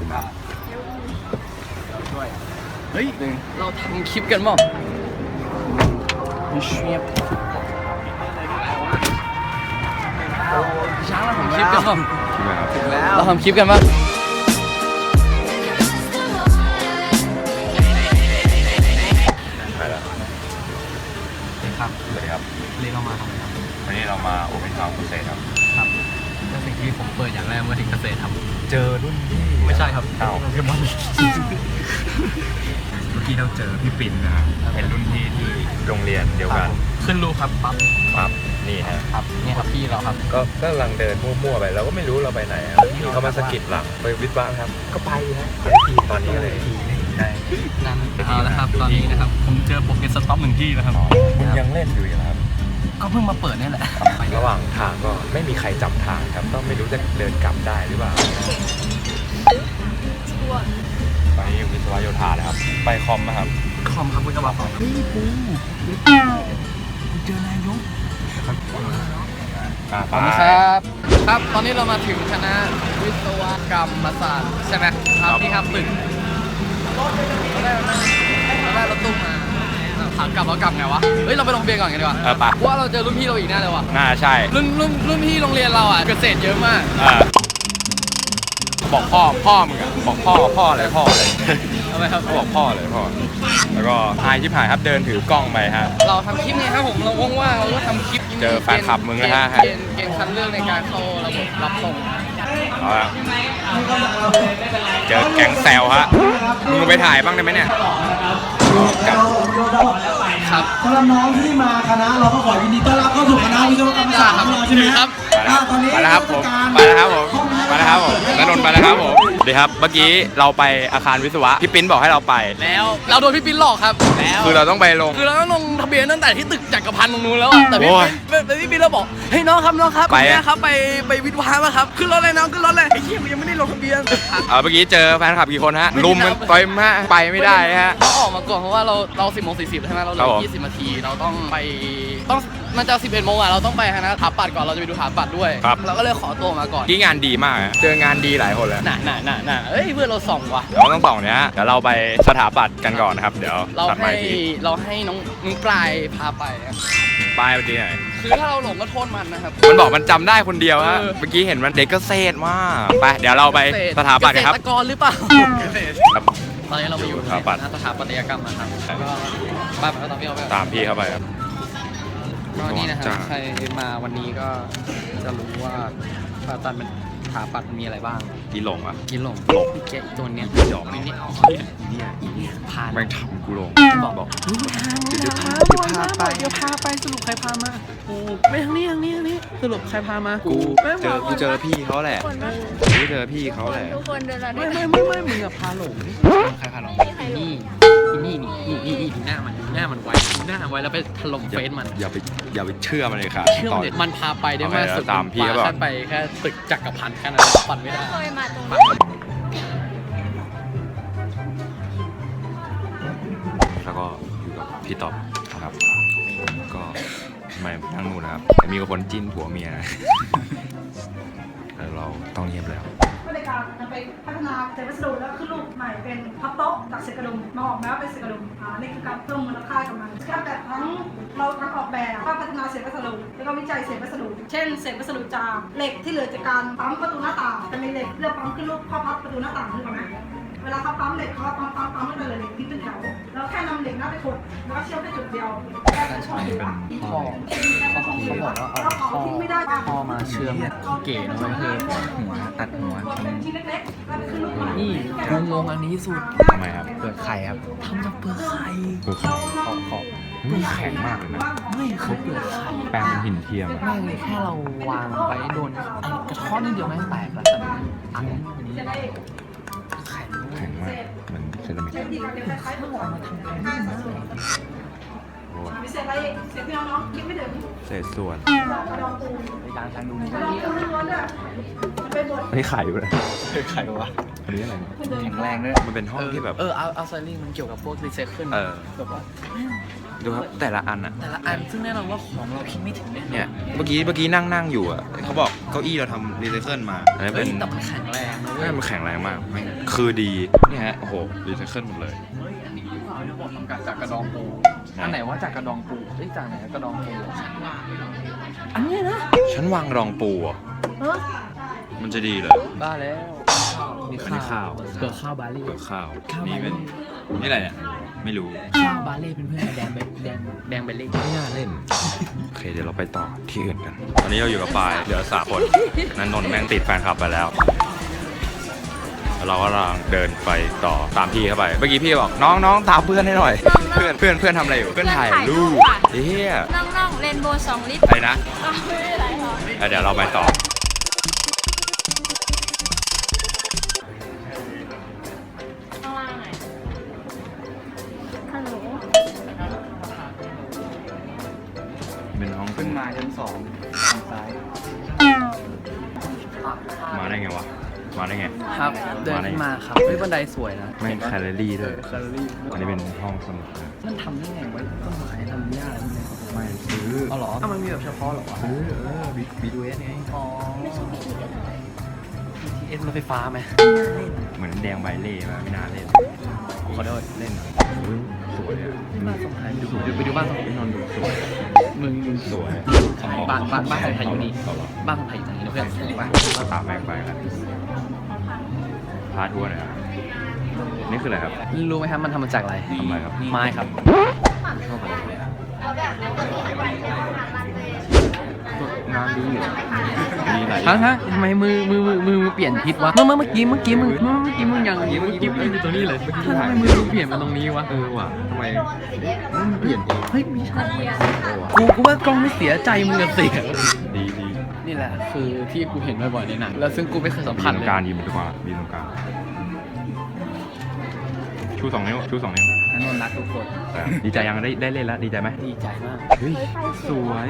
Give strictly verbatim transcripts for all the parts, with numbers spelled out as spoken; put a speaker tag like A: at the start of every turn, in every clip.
A: คุณครับ
B: ด้วยเฮ้ยเราทำคลิปกันมั้งเชียบช้างเราทำคลิปกันมั้งถึงแล้วเราทำคลิปกันมั้ง
A: ไปแล้ว
B: ครับ
A: สวัสดีครับ
B: เรียกเรามาทำไมครับ
A: วันนี้เรามาโอเปนทาวน์เกษตรครับ
B: ครับก็สิ่งที่ผมเปิดอย่างแรกเมื่อถึงเกษตรครับ
A: เจอรุ่นพี่
B: ไม่ใช่ครับ
A: อ้าว
B: โปเกมอน
A: เมื่อกี้เราเจอพี่ปิ่นนะครับเป็นรุ่นพี่ที่โรงเรียนเดียวกัน
B: ขึ้นรูครับปั๊บ
A: ปั๊บนี่ฮะ
B: ครับนี่ครับพี่เราครับ
A: ก็ก็กำลังเดินมั่วๆไปเราก็ไม่รู้เราไปไหนพี่เขามาสะกิดหลังไปวิทย์บ้างครับก็ไปฮะไปทีตอนนี้เลยใช่
B: นั่นเอาละครับตอนนี้นะครับผมเจอโปเกสต็อปหนึ่งที่นะครับ
A: คุณยังเล่นอยู่เหรอครับ
B: ก็เพิ่งมาเปิดนี่แหละ
A: ระหว่างทางก็ไม่มีใครจำทางครับก็ไม่รู้จะเดินกลับได้หรือเปล่าไปวิศวะโยธาเลยครับไปคอมนะครับ
B: คอมครับคุณกระบะเฮ้ยปูเจอนายก
A: ข
B: อบคุณครับครับตอนนี้เรามาถึงคณะวิศวกรรมศาสตร์ใช่ไหมครับนี่ครับตึกเราได้เราได้รถตู้มาถามกลับแล้วกลับไงวะเฮ้ยเราไปลงเบียร์ก่อนกันดีกว่า
A: เออปะ
B: ว่าเราเจอรุ่นพี่เราอีกแน่เลยว่ะ
A: น่าใช่
B: รุ่นรุ่นรุ่นพี่โรงเรียนเราอ่ะเกษตรเยอะมาก
A: บอกพ่อพ่อมึงอะบอกพ่อพ่ออะไรพ่ออะไร
B: ทำไมครับ
A: บอกพ่อเลยพ่อแล้วก็ไฮชิบหายครับเดินถือกล้องไปฮะ
B: เราทำคลิปไงครับผมเราว่างๆเราก็ทำคลิป
A: เจอแฟนคลับมึงนะฮะ
B: เกณฑ์เกณฑ์คัดเลือกในการเข้าระบบรับส่ง
A: เอาละเจอแก๊งแซวฮะมึงไปถ่ายบ้างได้ไหมเนี่ย
B: ครับ
C: สำหรับน้องที่มาคณะเราก็ขอยินดีต้อนรับเข้าสู่คณะวิศวกรรมศาสตร์ของเราใช่ไหมครับ
A: ตอนนี้ไปแล้วครับผมไปแล้วครับผมไปแล้วครับผมนนนท์ไปแล้วครับผมดีครับเมื่อกี้เราไปอาคารวิศวะพี่ปิ้นบอกให้เราไป
B: แล้วเราโดนพี่ปิ้นหลอกครับแล้ว
A: คือเราต้องไปลง
B: คือเราต้องลงทะเบียนตั้งแต่ที่ตึกจักรพันธ์ตรงนู้นแล้วแต่พี่ปิ้นแต่พี่ปิ้นเราบอกเฮ้ยน้องครับน้องครับไปครับไปไปวิทย์วะมาครับขึ้นรถเลยน้องขึ้นรถเลยไอ้เหี้ยยังไม่ได้ลงทะเบียน
A: เออเมื่อกี้เจอแฟนคลับกี่คนฮะลุมมันไปมากไปไม่ได้ฮะ
B: เราออกมาก่อนเพราะว่าเราเราสิบโมงสี่สิบใช่ไหมเราเหลือยี่สิบนาทีเราต้องไปต้องมันจะสิบเอ็ดโมงอ่ะเราต้องไปคณะถาปัดก่อนเราจะไปดูถาปัดด้วยเราก็เลยขอตัวมาก่อน
A: ที่งานดีมากเจองานดีหลายคนเลย
B: น่ะน่ะน่ะน่ะเอ้ยเพื่อนเราส่องว่ะ
A: เราต้องส่องเนี้ยเดี๋ยวเราไปสถาปัตย์กันก่อนนะครับเดี๋ยว
B: เราให้เราให้น้องน้องปลายพาไป
A: ปลายไปดีหน่อย
B: คือถ้าเราหลงก็โทษมันนะครับ
A: มันบอกมันจำได้คนเดียวฮะเมื่อกี้เห็นมันเด็กเกษตรมากไปเดี๋ยวเราไปสถาปัตย์กันครับ
B: เกษตรกรหรือเปล่าตอนนี้เราไปอยู่ที่สถาปัตยกรรมนะครับก็บ้านมันก็ตามพี่เขาไป
A: ตามพี่เข้าไปครับ
B: ก็นี่นะครับใครมาวันนี้ก็จะรู้ว่าผ่าตัดมันถาปัดมันมีอะไรบ้าง
A: กินหลงอ่ะ
B: กินหลง
A: หลง
B: แกตัวเนี้ย
A: หยอก
B: นี่
A: เนี่ย
B: เนี่ยเนี่ยพา
A: แม่งทำกูหลง
B: บอกบอกเดี๋ยวพาเดี๋ยวพาไปเดี๋ยวพาไปสรุปใครพามากูไม่ทางนี้ทางนี้ทางนี้สรุปใครพามา
A: กูเจอกูเจอพี่เขาแหละกูเจอพี่เขาแหละ
D: ทุกคนเดิน
B: ไม่ไม่ไม่ไม่มึงอะพาหลงใครพาหลงนี่นี่นี่นี่นี่ดูหน้ามันดูหน้ามันไว้ดูหน้าไว้แล้วไปถล่มเฟซมัน
A: อย่าไปอย่าไปเชื่อมันเลยครับ
B: เชื่อมันมันพาไปได้มากสุด
A: ตามพี่เขาบอก
B: ไปแค่ตึกจักรพันธ์แค่นั้นปั่นไม่ได้
D: เคยมาตรง
A: แล้วก็อยู่กับพี่ต๊อบนะครับก็ทำไมนั่งนู่นนะครับมีคนจิ้นผัวเมียแล้วเราต้องเงียบแล้ว
C: ในการจะไปพัฒนาเศษวัสดุแล้วขึ้นรูปใหม่เป็นพับโต๊ะจากเศษกระดุมมาออกแบบเป็นเศษกระดุมอ่านี่คือการเพิ่มมูลค่ากับมันการแบบทั้งเราทั้งออกแบบภาพพัฒนาเศษวัสดุแล้วก็วิจัยเศษวัสดุเช่นเศษวัสดุจากเหล็กที่เหลือจากการปั๊มประตูหน้าต่างจะมีเหล็กเลือกปั๊มขึ้นรูปข้อพับประตูหน้าต่างขึ้นมาไหมเวลาเขาปั๊มเหล็กเขาปั๊มปั๊มปั๊มไม่เป็นเลยเหล็กที่เป็นแถวแล้วแค่นำเหล็กหน้าไปกดแล้วก็เชื่อมแค่จุดเดียวแค่ช่องเดียว
B: ข้อเขาบอกว่าเอาข้อข้อมาเชื่อมเก๋นะมันคือหัวตัดหัวนี่งงงอันนี้สุด
A: ทำไมครับ
B: เปลือกไข่ครับทำจากเปลือกไข่
A: เปลือกไข่ขอบขอบมันแข็งมากเลยนะ
B: ไม่คือเปลือกไข่
A: แปลงเป็นหินเทียม
B: ไม่เลยแค่เราวางไว้โดนไอ้กระท้อนนิดเดียวแม่งแตกแล้วแต่อันนี้ไข่
A: แข็งมากเหมือนเซรามิก
C: เศษอะไรเศษพี่น้องคิดไม่ถึง
A: เศษส่วน
B: ในการทางดูนี่
A: อันนี้ไข่อยู่เลยไข่วะอันนี้อะไร
B: แข็งแรงด้วย
A: มันเป็นห้องที่แบบ
B: เออเอาเอาไซลิ่งมันเกี่ยวกับพวกรีไซเคิลแบบว่า
A: ดูครับแต่ละอันอะ
B: แต่ละอันซึ่งแน่นอนว่าของเราคิดไม่ถึง
A: เนี่ยเมื่อกี้เมื่อกี้นั่งนั่งอยู่อะเขาบอก
D: ก้าอี้เราทำรีไซเคิลมาอันนี้
B: เฮ้
D: เป็
B: ย
D: น
B: แต่มันแข็งแรงนะเว้ย
D: มันแข็งแรงมากแม่งคือดีนี่ฮะโอ้โหรีไซเคิลหมดเลย
B: เฮ้ยอันนี้หรือเปล่าที่บอกทำการจากกระดองปูอันไหนว่าจากกระดองปูเอ้ยจากไหนกระดองปูอันนี้นะ
D: ฉันวางรองปูอ่ะ
B: เออ
D: มันจะดีเหรอ
B: บ้าแล้ว
D: อันนี้ข้าว
B: เกิดข้าวบาเล่
D: เปลือกข้าว
B: ข้าว
D: นี่เป็นนี่อะไรเนี่ยไม่รู้
B: ข้าวบาเล่เป็นเพื่อนกับแดงเบแดงแดงเบลเล่
D: ไม่น่าเล่นโอเคเดี๋ยวเราไปต่อที่อื่นกันตอนนี้เราอยู่กับปายเหลือสามคนนันนนท์แม่งติดแฟนคลับไปแล้วแล้วเราก็กำลังเดินไปต่อตามพี่เข้าไปเมื่อกี้พี่บอกน้องน้องตามเพื่อนให้หน่อยเพื่อนเพื่อนเพื่อนทำอะไรอยู่เพื่อนถ่ายรูปเฮีย
E: น้องๆเรนโบว์สองลิตร
D: อะไรนะ
E: อ้าวไม่เป็นไรหรอก
D: เดี๋ยวเราไปต่อ
E: ข้างล่างไหนฮัลโหล
D: เป็นห้องเป็น
B: มาชั้นสองทางซ้าย
D: มาได้ไงวะมาได้ไง
B: ครับเดินขึ้นมาครับเฮ้ยบันไดสวยนะ
D: ไม่แคลอรี่ด้วย
B: แคลอรี่
D: อันนี้เป็นห้องสมุดนะ
B: มันทำได้ไงวะต้นไม้ทำยากอะไรพวกนี้
D: ไม่ซื้อ
B: เอาเหรอถ้ามันมีแบบเฉพาะเหรอวะ
D: ซื้อเออบีบีดูเอสไง
B: อ๋อ บี ที เอส รถไฟฟ้าไหม
D: เหมือนแดงใบเล่ป่ะไม่น่าเล่น
B: ขอโทษ
D: เล่นอุ๊ยสวยอ่ะ
B: นี่บ้านสมหายดูไปดูบ้านสมหาย
D: พี่นนท์ดูสวย
B: มึงมึง
D: สวย
B: บ้านบ้านบ้านของไทยอยู่นี่บ้านของไทยอยู่นี่นะเพื่อนเห็นปะ
D: ก็ตามแม่งไปกันพาทัวร์หน่อยครับนี่คืออะไรครับ
B: รู้ไหมครับมันทำมาจากอะไร
D: ทำอะไรครับ
B: ไม้ครับ
D: ชอบอะไรงานดีเหรอมีหลาย
B: ฮะฮะทำไมมือมือมือมือมือเปลี่ยนทิศวะ เมื่อเมื่อเมื่อกี้เมื่อกี้มึงเมื่อเมื่อกี้มึงยังเมื่อกี้มึงอยู่ตรงนี้เลยทำไมมือมึงเปลี่ยนมาตรงนี้วะ
D: เออว่ะทำไมมันเปลี่ยนเอง
B: เฮ้ยไม่ใช่กูกูว่ากล้องไม่เสียใจมึงอะเสีย
D: ดีดี
B: นี่แหละคือที่กูเห็นบ่อยๆในหนังแล้วซึ่งกูไม่เคยสัม
D: มี
B: ผัส
D: ตร
B: เล
D: ง
B: ย
D: กลางยืนตรงกลางยืนตรงกลางชูสองนิ้วชูสองนิ้ว
B: นันนนรักทุกคน
D: แต่ดีใจยังได้ได้เล่นแล้วดีใจไหม
B: ดีใจมาก
D: เฮ้ยสวย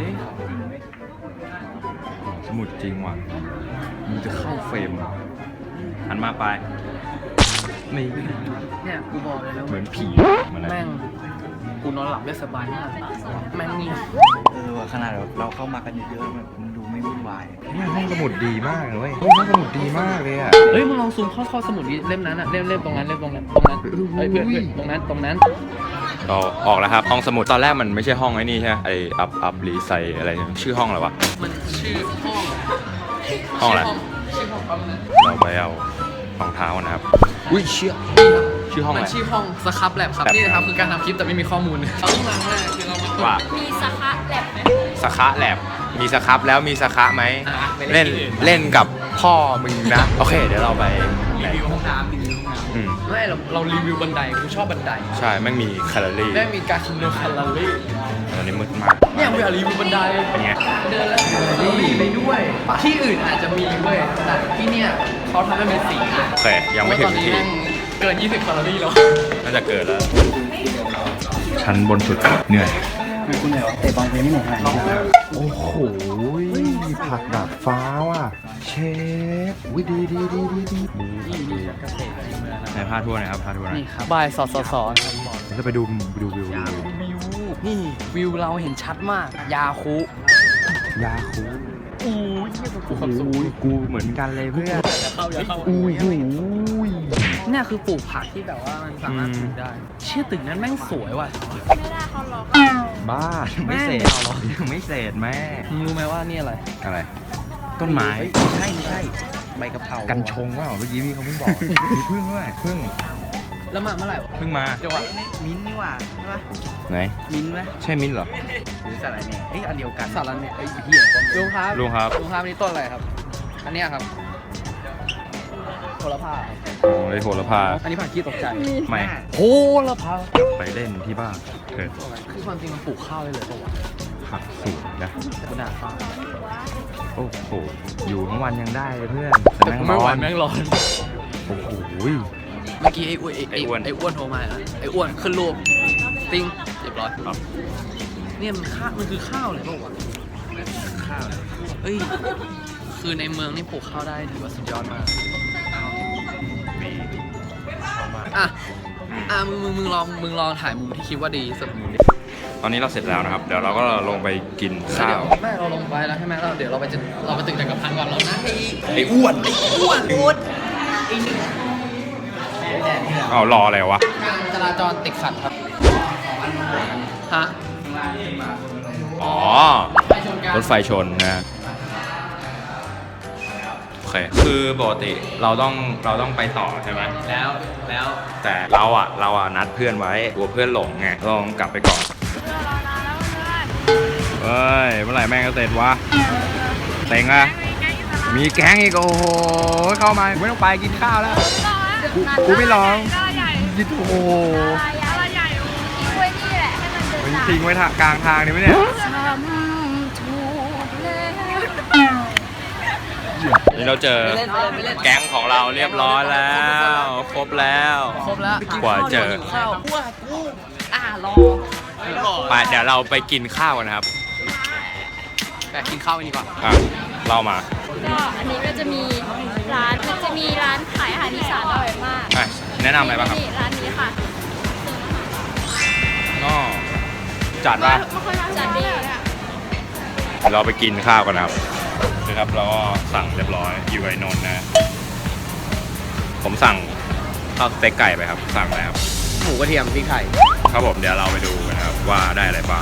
D: สมุดจริงว่ะมันจะเข้าเฟรมหันมาไปนี่
B: เนี่ยกูบอกเลยแล้ว
D: เหมือนผีเหมือนอะไร
B: แม่งกูนอนหลับได้สบายมากแม่งนี่
F: เออว่ะขนาดแบบเราเข้ามากันเยอะๆแบบมันดูไม่วุ่นวาย
D: เนี่ยห้องสมุดดีมากเลยเว้ยห้องสมุดดีมากเลยอ่ะ
B: เฮ้ยมึงลองซูมเข้าเข้าสมุดนี้เล่มนั้นอะเล่มเล่มตรงนั้นเล่มตรงนั้นตรงนั้นเฮ้ยเพื่อนเพื่อนตรงนั้นตรงนั้น
D: เราออกแล้วครับห้องสมุดตอนแรกมันไม่ใช่ห้องไอ้นี่ใช่ไหมไออัพอัพรีไซอะไรเนี่ยชื่อห้องอะไรวะ
B: มันชื่อห้อง
D: ห้องอะไร
B: ชื่อห้องแป๊บนึง
D: เราไปเอารองเท้านะครับอุ้ยเชี่ยชื่อห้อง
B: มั
D: อะ
B: น
D: ไร
B: ชื่อห้องสครับแลบครับ
D: Lab
B: นี่นะครับคือการทำคลิปแต่ไม่มีข้อมูลเราต้องล้างแรกคือเรามา
D: ว่า
E: มีสคะแลบไหม
D: สคะแลบมีสครับแล้วมีสคะไหม
B: อ่ะไป
D: เล่น
B: ที่อื่
D: เล่นกับพ่อมึงนะ โอเค เดี๋ยวเราไป
B: รีวิวห้องน้ำรีวิวห้องน้
D: อืม
B: ำไม่เราเรารีวิวบันไดกูชอบบันได
D: ใช่แม่งมีแคลอรี่
B: แม่งมีการคำนวณแคลอรี่
D: ตอนนี้มืดมาก
B: เนี่ยกูอยากรีวิวบันได
D: เป็นไง
B: เดินแล้วแคลอรี่ไปด้วย ที่อื่นอาจจะมีเว้ยแต่ที่เนี่ยเขาทำให้เป็นสี
D: โอเค ยังไม่ถึง
B: ตอนนี้
D: ที
B: แม่งเกินยี่สิบแคลอรี่แล้ว
D: น่าจะเกิดแล้ว ชั้นบนสุดเหนื่อย
F: คุณเหนื่อยวะเตะบอลไปไม่เหนื่อยขนาดนี้
D: โอ้โหผักดาดฟ้าว่ะ เชฟวิดีดีดีดีดีดีในพาทัวร์หน่อยครับพาทัวร์หน่อย
B: นี่ครับบายสอดสอดสอด
D: จะไปดูไปดูวิวดูวิว
B: วิวนี่วิวเราเห็นชัดมาก ยาคุ
D: ยาคู
B: อู้ย
D: โอ้โหกูเหมือนกันเลยเพื่อน
B: อย่าเข้าอย่าเข้า
D: อุ้ยหูย
B: เนี่ยคือปลูกผักที่แบบว่ามันสามารถปลูกได้ เชื่อตึกนั้นแม่งสวยว่ะ
E: ไม่ได้เขาหรอก
D: บ้าไม่เสร็จยังไม่เสร็จแม่
B: มึงรู้ไหมว่านี่อะไร
D: อะไร ต้นไม้
F: ไม่ใช่ไม่ใช่ใบกะเพรา
D: กันชงว่าเมื่อกี้พี่เขาเพิ่งบอก มีพึ่งด้วยพึ่ง
B: แล้วมาเมื่อไหร่วะ
D: เพิ่งมา
B: เดี๋ยววะ
F: มิ้นท์นี่หว่าใช่ปะ
D: ไหน
F: มิ้นท์ไหม
D: ใช่มิ้นท์เหรอ
F: หรือสาหร่ายแหน่เอ้ยอันเดียวกัน
B: สารันเนี่ยไอ้เหี้ยลุงครับ
D: ลุงครับ
B: ลุงครับอันนี้ต้นอะไรครับ อันเนี้ยครับโหระพาครับ
D: โอ้ยโหระพา
B: อันนี้ผักขี้ตกใจ
D: ไม่
B: โหระพา
D: ไปเล่นที่บ้านเถิด
B: คือความจริงมันปลูกข้าวได้เลยปะวะ
D: ผักสวนนะ
B: แต่กูด่าฟ้า
D: โอ้โห อยู่ทั้งวันยังได้เลยเพื่อน
B: แต่กูไม่ไหวแม่งร้อน
D: โอ้โห
B: เมื่อกี้ไอ้อ้วนไอ้
D: ไอ้อ้วน
B: ไอ้อ้วนโทรมาเหรอไอ้อ้วนขึ้นรูปติ้งเรียบร้อยครับเนี่ยมันข้าวมันคือข้าวเลยเปล่าวะข้าวเอ้ยคือในเมืองนี่ปลูกข้าวได้ถือว่าสุดยอดมากอ่ะอ่ะมึงมึงมึงลองมึงลองถ่ายมุมที่คิดว่าดีที่สุดมุมดิ
D: โออนนี้เราเสร็จแล้วนะครับ เดี๋ยวเราก็ลงไปกิน
B: แล้ว
D: ข้า
B: เดี๋ยว
D: ว
B: แม่เราลงไปแล้วใช่ไหมเราเดี๋ยวเราไปจะเราไปตึกจักรพันธ์ก่อนเรานะไอ้
D: ไอ้อ้วน
B: อ้วนอ้วน
D: เอารออะไรวะ
B: การจราจรติดขัดครับฮะ
D: อ๋อ
B: ไปชนกัน
D: รถไฟชนนะ โอเค คือปกติเราต้องเราต้องไปต่อใช่ไหม
B: แล้วแล้ว
D: แต่เราอ่ะเราอ่ะนัดเพื่อนไว้กลัวเพื่อนหลงไงเราต้องกลับไปก่อน เฮ้ย เมื่อไหร่แม่งจะเสร็จวะเต็งอะมีแก๊งอีกโอ้โห เข้ามาไม่ต้องไปกินข้าวแล้ว กูกูไม่ลองยิดโอ้โห
E: อะไรใหญ่ทิ้งไว้นี่แหละให้มันเดิน
D: มัน
E: ตาม
D: ทิ้งไว้ทางกลางทางนี่ไหมเนี่ย
E: ทำถูกแล้ว
D: นี่เราเจอ
B: ไม่เล่นไม่เล่นไม่เล่น
D: แก๊งของเราเรียบร้อยแล้ว ครบแล้ว
B: ครบแล้ว
D: กว่าเจอ
B: ข้าวกูกูอ่ารอ
D: ไปเดี๋ยวเราไปกินข้าวกันนะครับ
B: แต่กินข้าวกันดีกว่า
D: อ่ะเล่ามา
E: ก็อันนี้ก็จะมีร้านมันจะมีร้านขายอาหารอีสานอร่อยมาก
D: อ่ะแนะนำอะไรบ้างครับ
E: นี่ร้านนี้ค่ะ
D: ก็จัดป่ะ
E: ไม่ค่อยจัดดีค่ะ
D: เราไปกินข้าวกันนะครับนะครับเราก็สั่งเรียบร้อยอยู่ไอนนท์นะ ผมสั่งข้าวสเต็กไก่ไปครับ สั่งแล้ว
B: หมูกระเทียมพริกไทย
D: ครับผมเดี๋ยวเราไปดูกันนะครับว่าได้อะไรบ้าง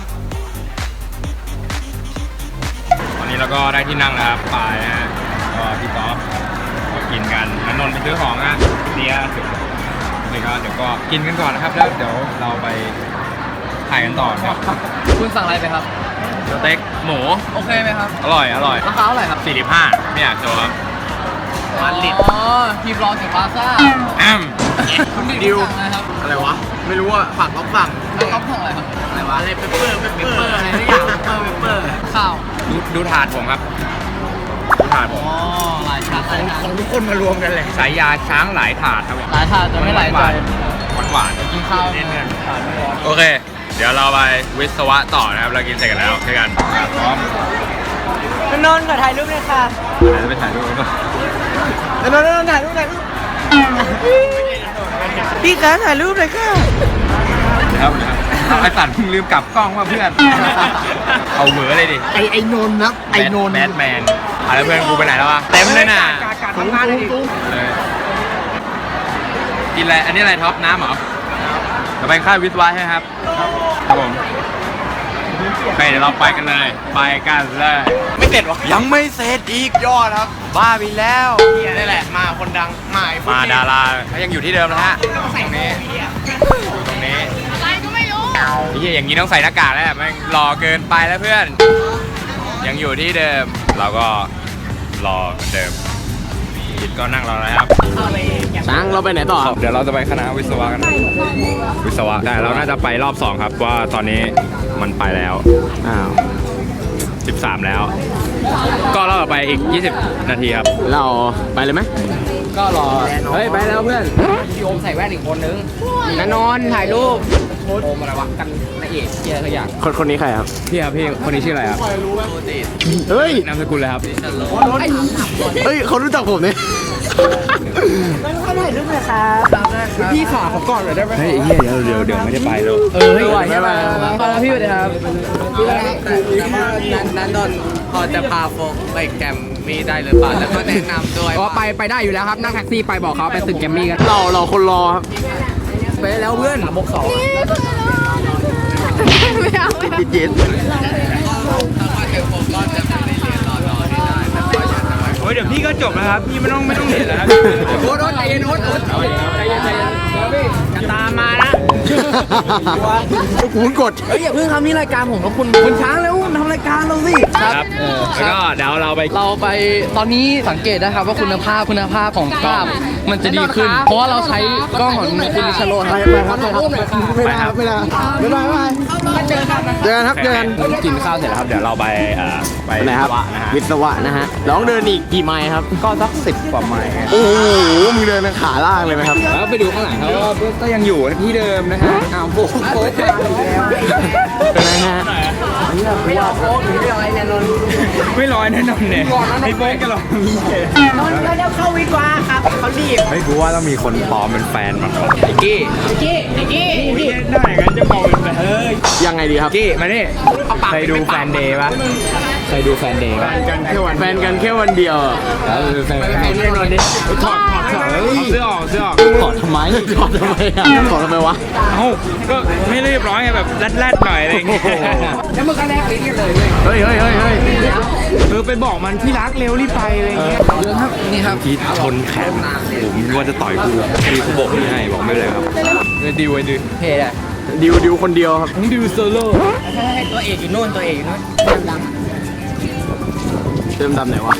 D: ตอนนี้เราก็ได้ที่นั่งนะครับปายนะฮะก็พี่ต๊อบก็กินกันอนนนท์ไปซื้อของนะเดียนี่ก็เดี๋ยวก็กินกันก่อนนะครับแล้วเดี๋ยวเราไปถ่ายกันต่อนะครับ
B: คุณสั่งอะไรไปครับ
D: สเต็กหมู
B: โอเคไหมครับ
D: อร่อยอร่อย
B: ราคาเท่าไหร่ครับ
D: สี่สิบห้าไม่อยากโชว์ครับ
B: วันลิตรอ๋อทีมรอถึงพลาซ่า
D: แอม
B: คุณดิวสั่งอะไรครับ
G: อะไรวะ ไม่รู้อ่ะผักต้องสั่ง
B: แล้วเขาสั่งอะไรครับ
G: อะไรวะ อะไรเปเปอร์เปเปอร์อะไรทุกอย่างเปเปอร์เปเปอร์
B: ข้าว
D: ดูดูถาดผมครับดูถาดผม
B: อ๋อหลายชาติหลายชา
G: ของ
B: ติ
G: ทุกคนมารวมกันเลย
D: สายยาช้างหลายถาดครับผม
B: หลายชาติจะไม่หลายใจ
D: หวานหวาน
B: กินข้าว
D: เน้นกันโอเค เดี๋ยวเราไปวิศวะต่อนะครับเรากินเสร็จกันแล้วเจอกันพร้อม
G: นนท์ขอถ่ายรูปเลยค่ะ
D: เดี๋ยวไปถ่ายรูปกันก่อน
G: นนท์นนท์ถ่ายรูปถ่ายรูปพี่คะถ่ายรูปเลยค่ะ
D: ครับเอาไอ้สัตว์มึงลืมกลับกล้องว่าเพื่อน เอาเหวอเลยดิ
G: ไอไอนนท์นะไอนนท์
D: แบทแมนอะไรเพื่อนกูไปไหนแล้ววะเต็มเลยน่ะ
G: ทำงานเลยดิ
D: เลยกินอะไรอันนี้อะไรท็อปน้ำเหรอเราไปค่ายวิศวะใช่ไหมครับครับผมไปเดี๋ยวเราไปกันเลยไปกันเลยไม่เสร็จวะยังไม่เสร็จอีกยอดครับ บ้าไปแล้ว
G: เนี่ยนี่แหละมาคนดังมาไอ้พวก
D: มา
G: นี้
D: ดาราเขายังอยู่ที่เดิมนะฮะตรงนี้อยู่ตรงนี้
E: อะไรก็ไม่รู้
D: ไอ้เหี้ยอย่างนี้ต้องใส่หน้ากากแล้วแม่งรอเกินไปแล้วเพื่อน ยังอยู่ที่เดิม เราก็รอเหมือนเดิมยิดก็นั่งรอแล้วครับ
G: ช้างเราไปไหนต่อ
D: เดี๋ยวเราจะไปคณะวิศวะกัน วิศวะแต่เราน่าจะไปรอบสองครับว่าตอนนี้มันไปแล้ว
G: อ้าว
D: สิบสามแล้ว ก็รอบต่อไปอีกยี่สิบนาทีครับ
G: เราไปเลยไหม
B: ก็รอ
G: เฮ้ยไปแล้วเพื่อน
B: พี่โอมใส่แว่นอีกคนนึง
G: นนนท์ถ่ายรูป
B: โอมอะไรวะกันนายเอกเกียร์ทุกอย่าง
G: คนคนนี้ใครครับ
D: พี่ครับพี่คนนี้ชื่ออะไรครับ
G: เฮ้ย
D: นามสกุลเลยครับ
G: เฮ้ยเขารู้จักผมเนี่ยพี่ขาผมก่อนหน่อยได้ไหม
D: เฮ้ยเฮียเดี๋ยวเดี๋ยวเดี๋ยวไม่ได้ไปแล้ว
B: เออไหวใช่ไหมพอแล้วพี่สวัสดีครับนันนนพอจะพาโฟกไปแกมมี่ได้หรือเปล่าแล้วก็แนะนำด้วย
G: ก็ไปไปได้อยู่แล้วครับนั่งแท็กซี่ไปบอกเขาไปตึกแกมมี่กันเราเราคนรอครับไปแล้วเพื่อน
B: บกสอง
E: ไม่เอาไม่เอา
G: จิตจิต
B: ถ้าว่าเจอผมก็จะไม่ได้เรียนรอรอที่ได้แต่ก็ยังจะไว้
D: โอ้ยเดี๋ยวพี่ก็จบแล้วครับ พี่ไม่ต้องไม่ต้องเห็นแล้วครับ
G: โอ๊ตโอ๊ตใจเย็นโอ๊ตโอ๊ตใจเย็นใจเย็นจะตามมานะคุณกดเฮ้ยอย่าเพิ่งทำนี่รายการผมกับคุณคุณช้างแล้วทำรายการเราสิ
D: ครับแล้วก็เดี๋ยวเราไป
B: เราไปตอนนี้สังเกตนะครับว่าคุณภาพคุณภาพของภาพมันจะดีขึ้น เพราะว่าเราใช้กล้องของคุณนิชโรครับ
G: ไปครับไปครับไม่ได้ไม่ได้ไม่ได้ไม่ได้เดินครับเดิน
D: กินข้าวเสร็จแล้วครับ เดี๋ยวเราไปเอ่อไป
G: ไหนครับ
D: วิศวะนะฮะ
G: วิศวะนะฮะร้องเดินอีกกี่ไมล์ครับ
D: ก็สักสิบกว่าไมล์
G: โอ้โหมึงเดินขาล่างเลยไหมครับ
D: แล้วไปดูข้างหลังเขาก็ยังอยู่ที่เดิมนะฮะอ้าวโบ๊ะโบ๊ะ
G: เป็นไงฮะไม่ยอมโค้งหรือไม่ยอมไอ้นนท์
D: ไม่ลอยแน่นอนเนี่ยไม่โป๊ะกันหรอก
G: นนท์ก็เดี๋ยวเข้าวิกว่าครับเขารีบ
D: ไม่กูว่าต้องมีคนปลอมเป็นแฟนมันก่อน
G: ไอ้กี้ไอ้กี้ไอ้กี้
D: ได้งั้นจะมองเป็นแฟนเออ
G: ยังไงดีครับกี้มานี่เคยดูแฟนเดย์ปะเคยดูแฟนเดย์ปะแฟนกันแค่วันเดียวเออแฟนกันแน่นอนดิถอดถอดถอดเสื้อออกเสื้อออกถอดทำไมถอดทำไมอ่ะถอดทำไมวะ
D: เอ้าก็ไม่เรียบร้อยไงแบบแรดๆหน่อยอะไรอย่างเงี้ย
G: แล้วมึงก็แลกลิ้นกันเลยเฮ้ยเฮ้ยเฮ้ยเฮ้ยเออไปบอกมันที่รักเร็วรีบไปอะไรอย่างเงี้ยเรื่องครับนี่ครับ
D: พีทชนแขนผมนึกว่าจะต่อยกูพี่เขาบอกไม่ให้บอกไม่เป็นไรครับ
G: ดิวไอ้ดิวเฮ้ยดิวดิวคนเดียวครับดิวโซโล่ตัวเอกอยู่โน่นตัวเอกอยู่โน่นเติมดำไหนวะ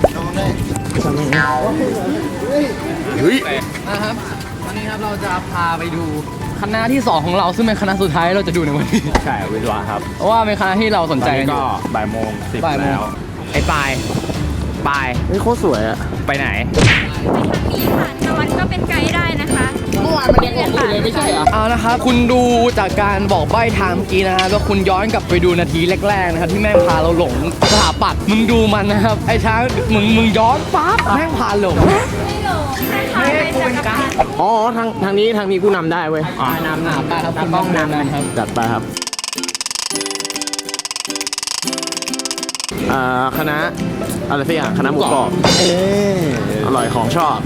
G: เฮ้ย
B: นะครับวันนี้ครับเราจะพาไปดูคณะที่สองของเราซึ่งเป็นคณะสุดท้ายเราจะดูในวันนี้
D: ใช่วิศวะครับ
B: เพราะว่าเป็นคณะที่เราสนใจกันอยู่
D: ก็บ่ายโมงสิบ
B: บ่ายโมง
D: แล้ว
G: ไอ้ปลายปลายเฮ้ยโคตรสวยอะ
D: ไปไหน
E: มีค่ะนวัดก็เป็นไกด์ได้นะคะ
G: เมื่อวานมันยังบอกเลยไม่ใช่เหรอ
B: เอานะครับคุณดูจากการบอกใบ้ทางเมื่อกี้นะฮะแล้วคุณย้อนกลับไปดูนาทีแรกๆนะครับที่แม่งพาเราหลงสถาปัตย์มึงดูมันนะครับไอ้ช้างมึงมึงย้อนปั๊บแม่งพาหลง
E: ไม่หลงคล้ายๆเป็นจักรพรรดิ
G: อ๋อทางทางนี้ทางนี้ผู้นำได้เว้ย
B: นำนำไปครับคุณต้องนำนะครับ
G: จัดไปครับอ่าคณะอะไรสักอย่างคณะหมูกรอบเอออร่อยของชอบ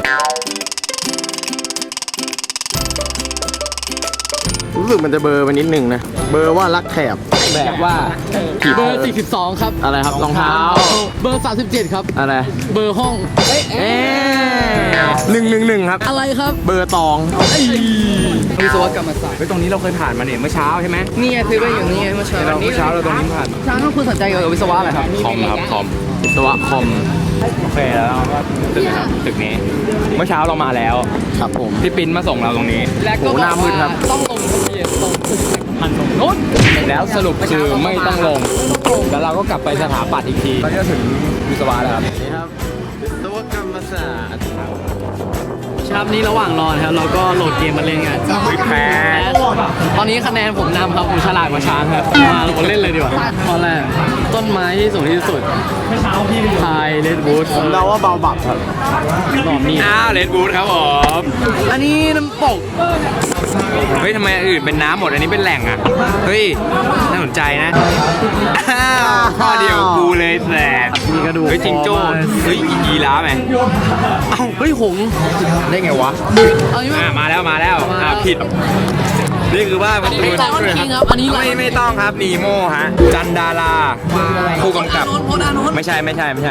G: รู้สึกมันจะเบอร์ไปนิดนึงนะเบอร์ว่ารักแถบ
B: แบบว่าเบอร์สี่สิบสองครับ
G: อะไรครับรองเท้า
B: เบอร์สามสิบเจ็ดครับ
G: อะไร
B: เบอร์ห้องเอ๊ะ
G: เอ๊หนึ่งหนึ่งหนึ่งครับ
B: อะไรครับ
G: เบอร์ตอง
B: วิศวกรรมศาสตร์
D: เฮ้ยตรงนี้เราเคยผ่านมาเนี่ยเมื่อเช้าใช่ไหม
B: นี่ไงซื้อไปอยู่นี่ไงเมื่อเช้า
D: เราเมื่อเช้าเราตรงนี้ผ่าน
B: ช้างคุณสนใจเกี่ยวกับวิศวะอะไรครับ
D: คอมครับคอม
G: วิศวะคอม
D: โอเคแล้วเราก็ตึกนะครับตึกนี้ เมื่อเช้าเรามาแล้ว
G: ครับผม
D: พี่ปิ้นมาส่งเราตรงนี้
B: และก็
G: โอ้
B: บ
G: ห
B: อก
G: น้ามืดครั
B: ว่า
G: บ
B: ต้องลงทะเบียนตรงพันตรงนู้น
D: แล้วสรุปคือไม่ต้องลง แล้วเราก็กลับไปสถาปัตย์อีกทีตอนนี้เราถึงวิศวะแล้วครับ
G: นี่ครับวิศวกรรมศาสตร์
B: ครับนี้ระหว่างรอนะครับเราก็โหลดเกมมาเล่นกัน
D: แพ้
B: ตอนนี้คะแนนผมนำครับผมฉลาดกว่าช้างครับมาเราเล่นเลยดีกว่าข้อแรกต้นไม้ที่สูงที่สุดไทยเลดวูด
G: ผมเดาว่าเบาบับครับ
B: หลอมนี่
D: อ้าวเลดบูธครับผม
B: อันนี้น้ำตก
D: เฮ้ยทำไมอันอื่นเป็นน้ำหมดอันนี้เป็นแหล่งอ่ะ เฮ้ย น่าสนใจนะ อ้าวข้อเดียวกูเลยแสบ
G: มีกระดูก
D: เฮ้ยจิงโจ้เฮ้ยยีราฟไหม
B: เอ้าเฮ้ยหงส์
G: ได้ไงวะ
B: เอางี้
D: อ่า
B: มา
D: มาแล้วมาแล้ว
B: มา
D: อ่าผิด นี่คือว่าประตู
B: ไลออนคิงครับอันนี้
D: ไม่ไม่ต้องครับนีโมฮะ จันดาราผู้กำกับ
B: โคนอานนท์
D: ไม่ใช่ไม่ใช่ไม่ใช่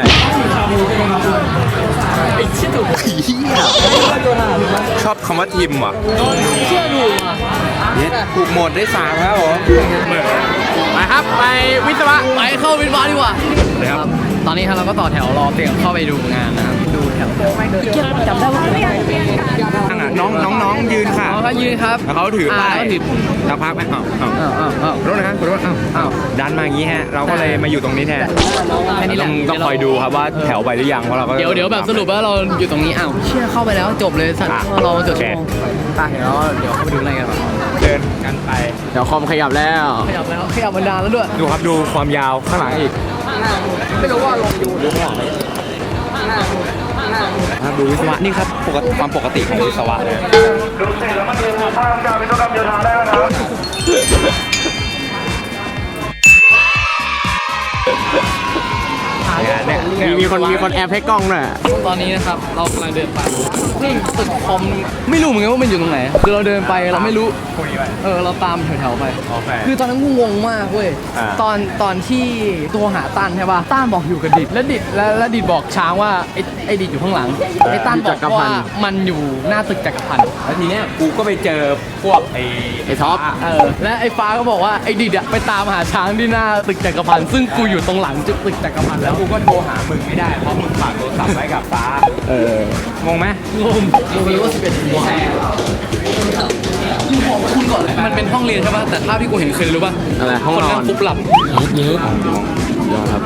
B: ไอ้ชิดถูก
D: ชอบคำว่าทิมว่ะ
B: เชื่อถูกอ่ะ
D: เนี่ยถูกหมดได้สามครับผม
G: ไปครับ ไปวิศวะ
B: ไปเข้าวินวาดีกว่า
D: เลยครับ
B: ตอนนี้ครับเราก็ต่อแถวรอเตรียมเข้าไปดูงานนะครับดูแถวจำได้ว่า
D: นั่งอ่ะน้องน้องน้องยืนค่ะ
B: เขาก็ยืนครับ
D: แล้วเขาถือป้าย
B: เขาถือ
D: สักพักไหมอ้าวอ้าว
B: อ้าวอ้าวอ้าว
D: ขอโทษนะครับขอโทษอ้าวอ้าวดันมาอย่างนี้ฮะ เราก็เลยมาอยู่ตรงนี้แทน
B: แค่นี้แห
D: ต้
B: ละ
D: องต้องคอยดูครับว่าแถวไปหรือยังเพราะเราก็
B: เดี๋ยวเดี๋ยวแบบสรุปว่าเราอยู่ตรงนี้อ้าวเชื่อเข้าไปแล้วจบเลยสัตว์
D: อ่ะ
B: เราเกือบ
D: โอเค
B: ชั่วโมงไปเดี๋ยวเดี๋ยวเข้าไปดูอะไรกันบ้าง
D: เดินกันไป
G: เดี๋ยวคอมขยับแล้ว
B: ขยับแล้วขยับบันดาลแล้วด้วย
D: ดูครับดูความยาวข้างหลังอีก
B: ไม่รู้ว่าลงอยู่หรือเปล่า
D: ครับดูวิศวะนี่ครับปกติความปกติของวิศวะเลย เนี่ย
G: มีมีคนมีคนแอบให้กล้องด้วย
B: ตอนนี้นะครับเรากำลังเดินไปนี่ตึกคอมไม่รู้เหมือนกันว่ามันอยู่ตรงไหนคือเราเดินไปเราไม่รู้
D: คุยไป
B: เออเราตามแถวๆไป
D: โอเค
B: คือตอนนั้นกูงงมากเว้ย
D: อ่า
B: ตอนตอนที่ตัวหาตั้นใช่ป่ะตั้นบอกอยู่กับดิดแล้วดิดแล้วแล้วดิดบอกช้างว่าไอ้ไอ้ดิดอยู่ข้างหลังไอ้ตั้นบอกว่ามันอยู่หน้าตึกจักรพันธ์
D: แล้วทีเนี้ยกูก็ไปเจอพวกไอ้
G: ไอ้ท็อป
B: เออและไอ้ฟ้าก็บอกว่าไอ้ดิดอะไปตามหาช้างที่หน้าตึกจักรพันธ์ซึ่งกูอยู่ตรงหลังจุดตึกจักรพันธ์
D: แล้
B: แล้ว ว
D: กูก็โทรหามึงไม่ได้เพราะมึงฝากโทรศัพท์ไว้กับฟ้า
G: เออ
D: งงไหม
B: งงงงเลยว่าสิบเอ็ดโมงคุณก่อนเลยมันเป็นห้องเรียนใช่ป่ะแต่ภาพที่กูเห็นคือรู้ป่ะ
G: อะไรห้องนอน
B: คนนั่งฟุบหลับ
G: เยอะยอดครับ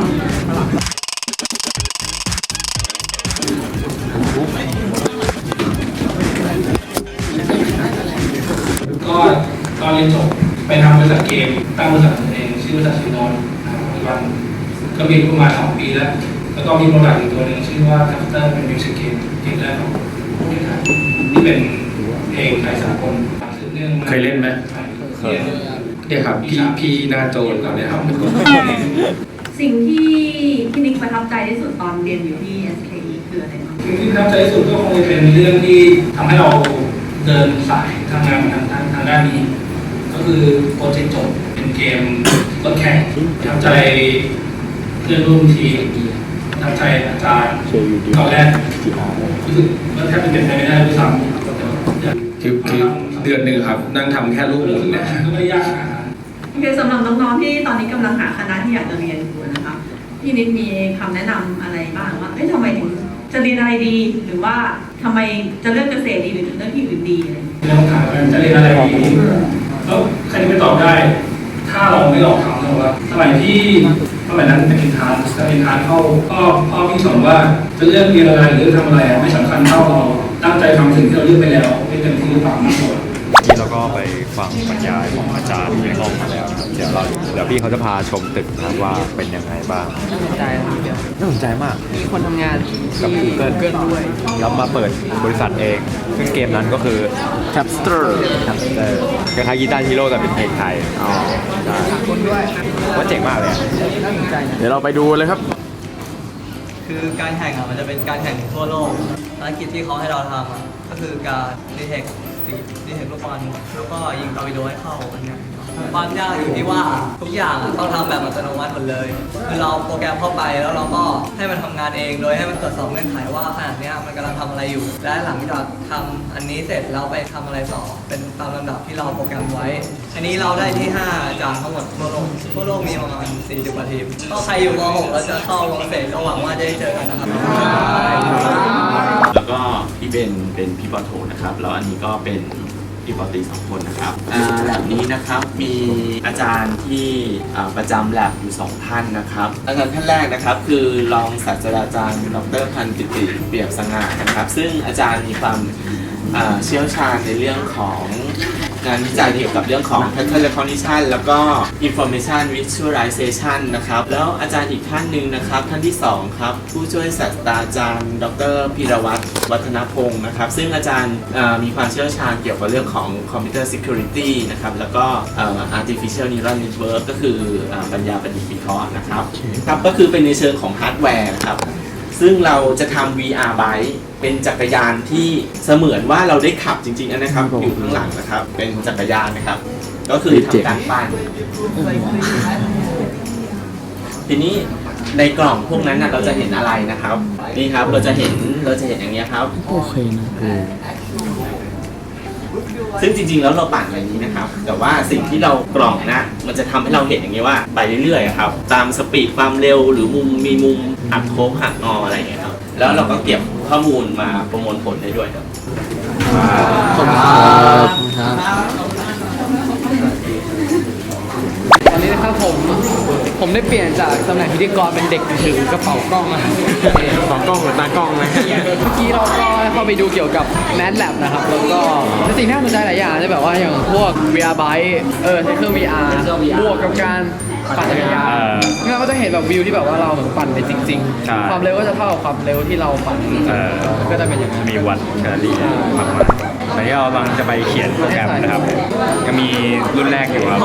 H: ก็ตอนเรียนจบไปทำบริษัทเกมตั้งบริษัทตัวเองชื่อบริษัทชินอนนะครับปัจจุบันก็มีประมาณสองปีแล้ว แล้วก็มีโปรดักต์อีกตัวหนึ่งชื่อว่าคัพเตอร์เป็นมิวสิกเกมเกมแรกของผู้เล่นไทยที่เป็นเพลงไทยสากลสืบเนื่องมา
D: เคยเล่นไหม
H: เรียนเนี่ยครับพี่พี่หนาโจนเราเนี่ยครับ
I: สิ่งที่พี่นิกประทับใจที่สุดตอนเรียนอยู่ที่ เอส เค อี คืออะไรบ้าง
H: สิ่งที่ประทับใจที่สุดก็คงจะเป็นเรื่องที่ทำให้เราเดินสายทำงานทางทางทางด้านนี้ ก็คือโปรเจกต์จบเป็นเกมรถแข่งประทับใจเพื่อนร่วมทีมประทับใจอาจารย์ตอนแรกรู้สึกว่าแทบจะเป็นไปไม่ได้ด้วยซ้ำคือคือเดือนหนึ่งครับนั่งทำแค่รูปหมุนเนี่ยก็ไม่ยากนะ
I: โอเคสำหรับน้องๆที่ตอนนี้กำลังหาคณะที่อยากจะเรียนอยู่นะคะพี่นิดมีคำแนะนำอะไรบ้างว่าเอ๊ะทำไมถึงจะเรียนอะไรดี หรือว่าทำไมจะเลือกเกษตรดีหรือเลือกที่อื่นดีอะไร
H: เรื่องถามว่าจะเรียนอะไรดีแล้วใครจะไปตอบได้ ถ้าเราไม่ลองทำนะว่าสมัยที่สมัยนั้นเป็นอินทานจะเป็นอินทานเข้าพ่อพ่อพี่สอนว่าจะเลือกเรียนอะไรหรือทำอะไรไม่สำคัญเท่าเราตั้งใจทำสิ่งที่เราเลือกไปแล้วไม่เต็มที่หรือเปล่ามากกว่า
D: นี่เราก็ไปฟังบรรยายของอาจารย์ในห้องมาแล้วนะครับเดี๋ยวเราเดี๋ยวพี่เขาจะพาชมตึกนะครับว่าเป็นยังไงบ้าง
B: น่าสนใจนะเดียว
D: น่าสนใจมาก
B: มีคนทำงานที่
D: กับ Google
B: เกินด้วย
D: แล้วมาเปิดบริษัทเอง ซึ่งเกมนั้นก็คือ
G: Tapster
D: Tapster คล้ายๆกีตาร์ฮีโร่แต่เป็นเพลงไทยอ๋อใช่
B: คนด้วย
D: ว่าเจ๋งมากเลยอะ
B: น่าสนใจนะ
G: เดี๋ยวเราไปดูเลยครับ
J: คือการแข่งอ่ะมันจะเป็นการแข่งทั่วโลกภารกิจที่เขาให้เราทำอ่ะก็คือการดีเทคดีเทคลูกบอลแล้วก็ยิงตอร์ปิโดให้เข้าอันเนี้ยความยากอยู่ที่ว่าทุกอย่างอ่ะต้องทำแบบอัตโนมัติหมดเลยคือเราโปรแกรมเข้าไปแล้วเราก็ให้มันทำงานเองโดยให้มันตรวจสอบเงื่อนไขว่าขณะเนี้ยมันกำลังทำอะไรอยู่ และหลังจากทำอันนี้เสร็จเราไปทำอะไรต่อเป็นตามลำดับที่เราโปรแกรมไว้ อันนี้เราได้ที่ห้าจากทั้งหมดทั่วโลกทั่วโลกมีประมาณสี่สิบกว่าทีมก็ใครอยู่ม หกแล้วจะเข้าวงเสร็จก็หวังว่าจะได้เจอกันนะครับ
K: แล้วก็พี่เบนเป็นพี่ปอโทนะครับแล้วอันนี้ก็เป็นพี่ปอตีสองคนนะครับอ่าแลบนี้นะครับมีอาจารย์ที่อ่าประจำแลบอยู่สองท่านนะครับอาจารย์ท่านแรกนะครับคือรองศาสตราจารย์ดรพันธ์กิติเปี่ยมสง่านะครับซึ่งอาจารย์มีความอ่าเชี่ยวชาญในเรื่องของงานวิจัยเกี่ยวกับเรื่องของ pattern recognition แล้วก็ information visualization นะครับแล้วอาจารย์อีกท่านหนึ่งนะครับท่านที่สองครับผู้ช่วยศาสตราจารย์ดรพีรวัตรวัฒนพงศ์นะครับซึ่งอาจารย์มีความเชี่ยวชาญเกี่ยวกับเรื่องของ computer security นะครับแล้วก็ artificial neural network ก็คือปัญญาประดิษฐ์วิเคราะห์นะครับครับก็คือเป็นในเชิงของฮาร์ดแวร์นะครับซึ่งเราจะทำ วี อาร์ Bike เป็นจักรยานที่เสมือนว่าเราได้ขับจริงๆนะครับอยู่ข้างหลังนะครับเป็นจักรยานนะครับก็คือทำการปั้นทีนี้ในกล่องพวกนั้นนะเราจะเห็นอะไรนะครับนี่ครับเราจะเห็นเราจะเห็นอย่างนี้ครับโอเคนะซึ่งจริงๆแล้วเราปั่นแบบนี้นะครับแต่ว่าสิ่งที่เรากล่องนะมันจะทำให้เราเห็นอย่างนี้ว่าไปเรื่อยๆครับตามสปีดความเร็วหรือมุมมีมุมหักโค้งหักงออะไรอย่างเงี้ยครับแล้วเราก็เก็บข้อมูลมาประมวลผลได้ด้วยครับ
B: ขอบคุณครับตอนนี้นะครับผมผมได้เปลี่ยนจากตำแหน่งพิธีกรเป็นเด็กถือกระเป๋ากล้องนะกล้องหรือตากล้องไหมเมื่อกี้เราก็เข้าไปดูเกี่ยวกับ Mad Lab นะครับแล้วก็เป็นสิ่งที่น่าสนใจหลายอย่างจะแบบว่าอย่างพวก วี อาร์ Bike เออใช้เครื่อง วี อาร์ บวกกับการปั่นจักรยานงั้นก็จะเห็นแบบวิวที่แบบว่าเราเหมือนปั่นไปจริงๆความเร็วก็จะเท่ากับความเร็วที่เราปั่นก็จะเป็นอย่างนั้น
D: มีวัดแคลอรี่มากๆตอนนี้เรากำลังจะไปเขียนโปรแกรมนะครับยังมีรุ่นแรกอยู่ครับ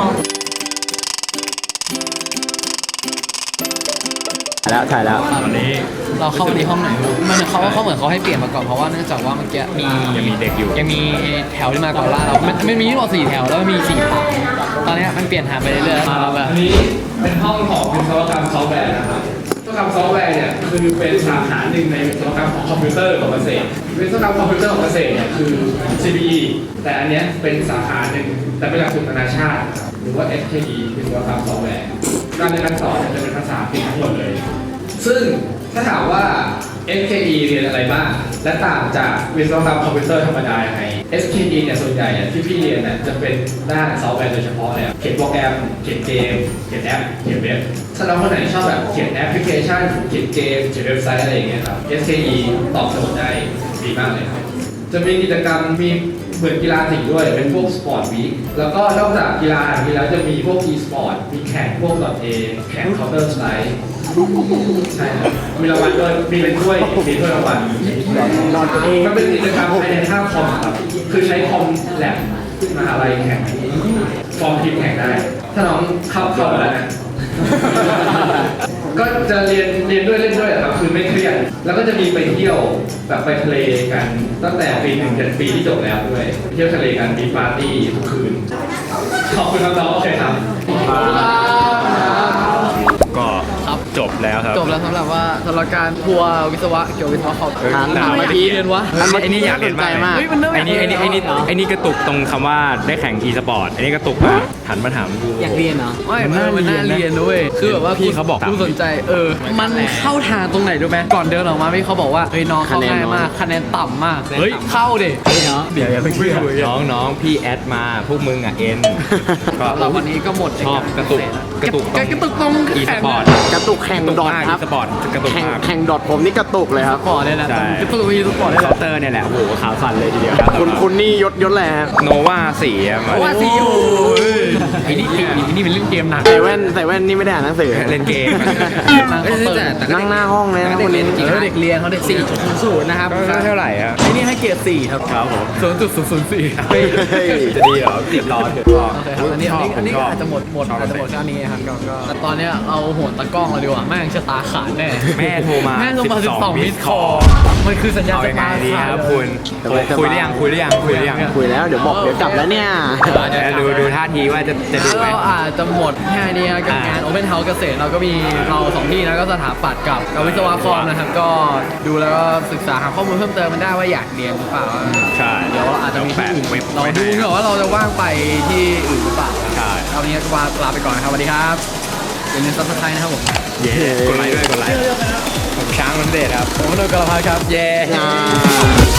D: แล้วถ่ายแล้วตอนนี้
B: เราเข้าไปในห้องไหนมันเขาว่าเขาเหมือนเขาให้เปลี่ยนมาก่อนเพราะว่าเนื่องจากว่าเมื่อกี้มี
D: ยังมีเด็กอยู่
B: ยังมีแถวที่มาก่อนล่าเรามันมันมีทั้งหมดสี่แถวแล้วมีสี่ทางตอนนี้มันเปลี่ยนทางไปเรื่อยๆมาแบบ
H: อันนี้เป็นห้องของวิศวกรรมซอฟต์แวร์นะครับวิศวกรรมซอฟต์แวร์เนี่ยคือเป็นสาขาหนึ่งในวิศวกรรมของคอมพิวเตอร์ของเกษตรวิศวกรรมคอมพิวเตอร์ของเกษตรเนี่ยคือ ซี บี อี แต่อันเนี้ยเป็นสาขาหนึ่งแต่เป็นหลักสูตรนานาชาติหรือว่า เอส เค อี วิศวกรรมซอฟต์แวร์การเรียนการสอนจะเป็นภาษาอังกฤษทั้งหมดเลยซึ่งถ้าถามว่า เอส เค อี เรียนอะไรบ้างและต่างจากวิศวกรรมคอมพิวเตอร์ธรรมดายังไง เอส เค อี เนี่ยส่วนใหญ่เนี่ยที่พี่เรียนเนี่ยจะเป็นด้านซอฟต์แวร์โดยเฉพาะเลยเขียนโปรแกรมเขียนเกมเขียนแอปเขียนเว็บถ้าเราคนไหนชอบแบบเขียนแอปพลิเคชันเขียนเกมเขียนเว็บไซต์อะไรอย่างเงี้ยครับ เอส เค อี ตอบโจทย์ได้ดีมากเลยครับจะมีกิจกรรมมีเหมือนกีฬาสีด้วยเป็นพวกสปอร์ตวีคแล้วก็นอกจากกีฬาอย่างนี้แล้วจะมีพวก e สปอร์ตมีแข่งพวก .a แข่ง Counter Strike ใช่ครับมีรางวัลด้วยมีเป็นถ้วยมีถ้วยรางวัลนอนเองมันเป็นกิจกรรมภายในท่าคอมครับคือใช้คอมแลบมหาลัยแข่งฟอร์มทีมแข่งได้ ถ้าน้องเข้าเข้ามาแล้วนะก็จะเรียนเรียนด้วยเล่นด้วยครับคือไม่เครียดแล้วก็จะมีไปเที่ยวแบบไปทะเลกันตั้งแต่ปีหนึ่งจนปีที่จบแล้วด้วยเที่ยวทะเลกันมีปาร์ตี้ทุกคืนขอบคุณครับน้องโอเคครับ
D: ก็จบแล้วครับ
B: จบแล้วสำหรับว่าสำหรับการทัวร์วิศวะเกี่ยวกับวิศวะคอม
D: ถามถาม
B: ไม่
D: เมื่อกี้
B: เรียนวะ
D: ไอ้นี่อยากเรียนมาก
B: เฮ้ยมันเริ่ม
D: ไอ้นี่ไอ้นี่ไอ้นี่ไอ้นี่กระตุกตรงคำว่าได้แข่ง e สปอร์ตไอ้นี่กระตุกมากหันมาถามกู
B: อยากเรียนเหรอไม่
D: มัน
B: มัน
D: น่า
B: น่า
D: เรี
B: เรี
D: ย
B: ย
D: น
B: น
D: นะ
B: ด้วยคือแบบว่า
D: พี่เขาบอก
B: ผู้สนใจเออมันเข้าทางตรงไหนรู้ไหมก่อนเดินออกมาพี่เขาบอกว่าเฮ้ยน้องเข้าง่ายมากคะแนนต่ำมาก
D: เฮ้ย
B: เข้าดิ
D: เดี๋ยวอย่าเพิ่งคุยน้องน้องพี่แอดมาพวกมึงอ่ะเอ็นก็
B: เราวันนี้ก็หมด
D: ชอบกระตุกกระตุก
B: กระตุกตรง
D: อีสปอร์ต
G: กระตุกแข่งดอทครับ
D: สปอร์ตกระตุก
G: แข่ง
D: มาก
G: แข่งดอทผมนี่กระตุกเลยครับ
B: ปอร์ตเนี่ยแหละ
D: ใช่
B: กระตุกวีสปอร์ตเนี่ยแห
D: เคา
B: ละ
D: น์เตอร์เนี่ยแหละโอ้โหขาวสั่นเลยทีเดียว
G: คุณคุณนี่ยศยศแหละ
D: โนวาสี่อะมา
B: ว่าซีอูไอ้นี่ไอ้นี่เป็นเล่นเกมหนัก
G: ใส่แว่นใส่แว่นนี่ไม่ได้อ่านหนังสือ
D: เล่นเกม
G: นั่งหน้าห้องเลยนะคนนี้
B: เออเด็กเรียนเขาเด็กสี่จุดศูนย์ศูนย์นะครับ
D: ก็เท่าไหร่อะ
B: ไอ้นี่ให้เกรดสี่ครับ
D: ครับผม
B: ศูนย์จุดศูนย์ศูนย์สี่
D: จะดีเหรอติดรอเถอะ
B: โอเคครับอันนี้อันนี้อันนี้อาจจะหมดหมดอาจจะหมดแค่นี้ครับก็ก็แต่ตอนเนี้ยเอาโหนตะกล้องเราดีกว่าแม่งชะตาขาดแน่
D: แม่โทรมา
B: แม่โทรมาสิบสอง
D: มิ
B: มิ
D: ส
B: ส
D: ค
B: ค
D: อ
B: อ
D: ล
B: มันคือสัญญาณ
D: เอา
B: ชะ
D: ยังไง
B: ตา
D: ดี
B: ขา
D: ค
B: ด
D: รับคุณคุยได้ยังคุยได้ยังคุยได้ยัง
G: คุยแล้วเดี๋ยวบอกเดี๋ยวกลับแล้วเนี่ย
D: เดี๋ยวดูดูท่าทีว่าจะจะดู
B: แล้ว
D: ไหม
B: เราอาจจะหมดแค่นี้ครับกับงาน Open House เกษตรเราก็มีเราสองที่นะก็สถาปัตย์กับกับวิศวะคอมนะครับก็ดูแล้วก็ศึกษาหาข้อมูลเพิ่มเติมมันได้ว่าอยากเรียนหรือเปล่า
D: ใช่
B: เดี๋ยวอาจจะมีที่อื่น
D: เว็บ
B: เรา
D: ไว้ให้
B: ดูเผื่อว่าเราจะว่างไปที่อื่นหรือเปล่า
D: ใช่
B: เอาวันนี้ก็ลาไปก่อนนะครับสวัสดีครับอย่าลืมซับสไครต์นะครับผม
D: เย้กดไลค์ด้วยกดไลค์ผมช้างมันเด็ดครับ
B: ผมโดนกระเพาะครับเย้
G: อ่า